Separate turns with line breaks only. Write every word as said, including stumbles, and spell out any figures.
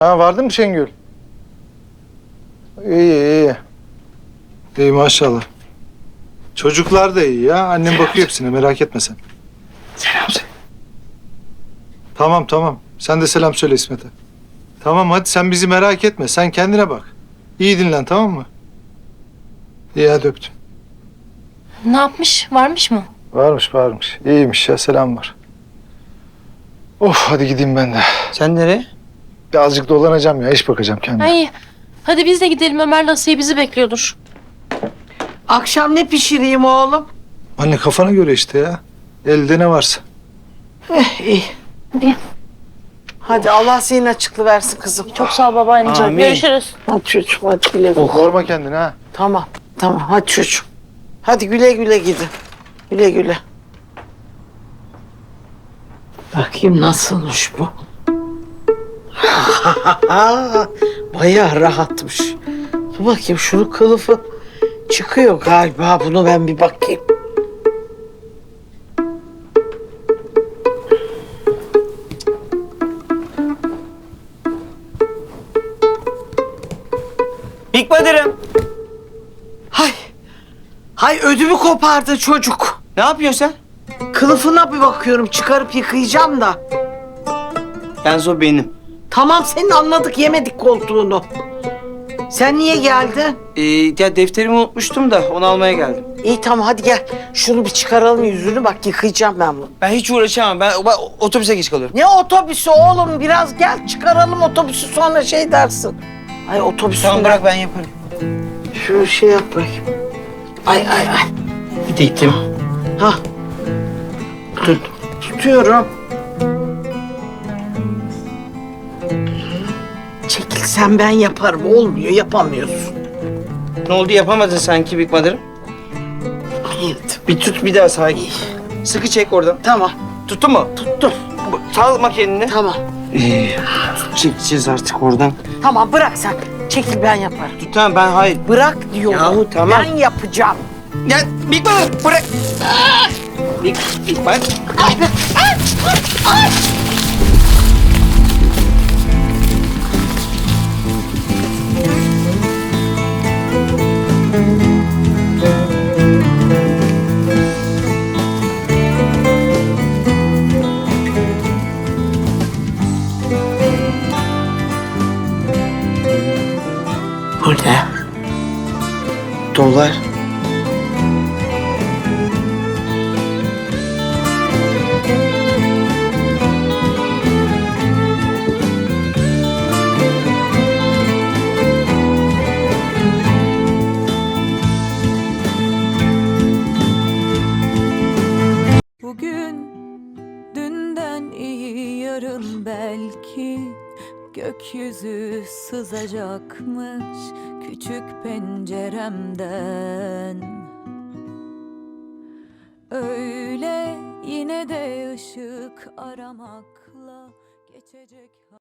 Ha, vardın mı Şengül? İyi iyi. İyi maşallah. Çocuklar da iyi ya. Annem bakıyor hepsine, merak etme sen.
Selam söyle.
Tamam tamam. Sen de selam söyle İsmet'e. Tamam hadi sen bizi merak etme. Sen kendine bak. İyi dinlen, tamam mı? İyi hadi öptüm.
Ne yapmış? Varmış mı?
Varmış varmış. İyiymiş ya, selam var. Of, hadi gideyim ben de.
Sen nereye?
Birazcık dolanacağım ya, iş bakacağım kendime.
Ay, hadi biz de gidelim. Ömer'le Asiye bizi bekliyordur.
Akşam ne pişireyim oğlum?
Anne kafana göre işte ya. Elde ne varsa.
Eh, iyi.
Hadi.
Hadi Allah senin açıklı versin kızım.
Çok sağ ol babaanneciğim.
Amin.
Görüşürüz.
Hadi çocuğum hadi güle güle.
Yorma kendini ha.
Tamam tamam hadi çocuğum. Hadi güle güle gidin. Güle güle. Bakayım nasılmış bu? Bayağı rahatmış. Dur bakayım şunun kılıfı çıkıyor galiba. Bunu ben bir bakayım.
Hikmederim.
Hay. Hay ödümü kopardı çocuk.
Ne yapıyorsun sen?
Kılıfına bir bakıyorum, çıkarıp yıkayacağım da.
Yalnız o benim.
Tamam senin anladık, yemedik koltuğunu. Sen niye geldin?
Ee, ya defterimi unutmuştum da onu almaya geldim.
İyi tamam hadi gel. Şunu bir çıkaralım yüzünü, bak yıkayacağım ben bunu.
Ben hiç uğraşamam. Ben, ben otobüse geç kalıyorum.
Ne otobüsü oğlum, biraz gel çıkaralım otobüsü, sonra şey dersin. Ay otobüsü.
Tamam bırak ben yaparım.
Şu şey yap bakayım. Ay ay ay.
Bir de gittim.
Ha. Tut. Tutuyorum. Çekilsen ben yaparım. Olmuyor, yapamıyorsun.
Ne oldu yapamadın sanki Hikmederim?
Evet.
Bir tut bir daha sakin. Sıkı çek oradan.
Tamam.
Tuttun mu?
Tuttum.
Salma kendini.
Tamam.
Ee, çekeceğiz artık oradan.
Tamam bırak sen. Çekil ben yaparım.
Tut tamam ben hayır.
Bırak diyorum.
Yahu tamam.
Ben yapacağım.
Ya Hikmederim bırak. Hik, Hikmet.
Bu ne?
Dolar.
Bugün dünden iyi, yarın belki gökyüzü sızacakmış küçük penceremden. Öyle yine de ışık aramakla geçecek.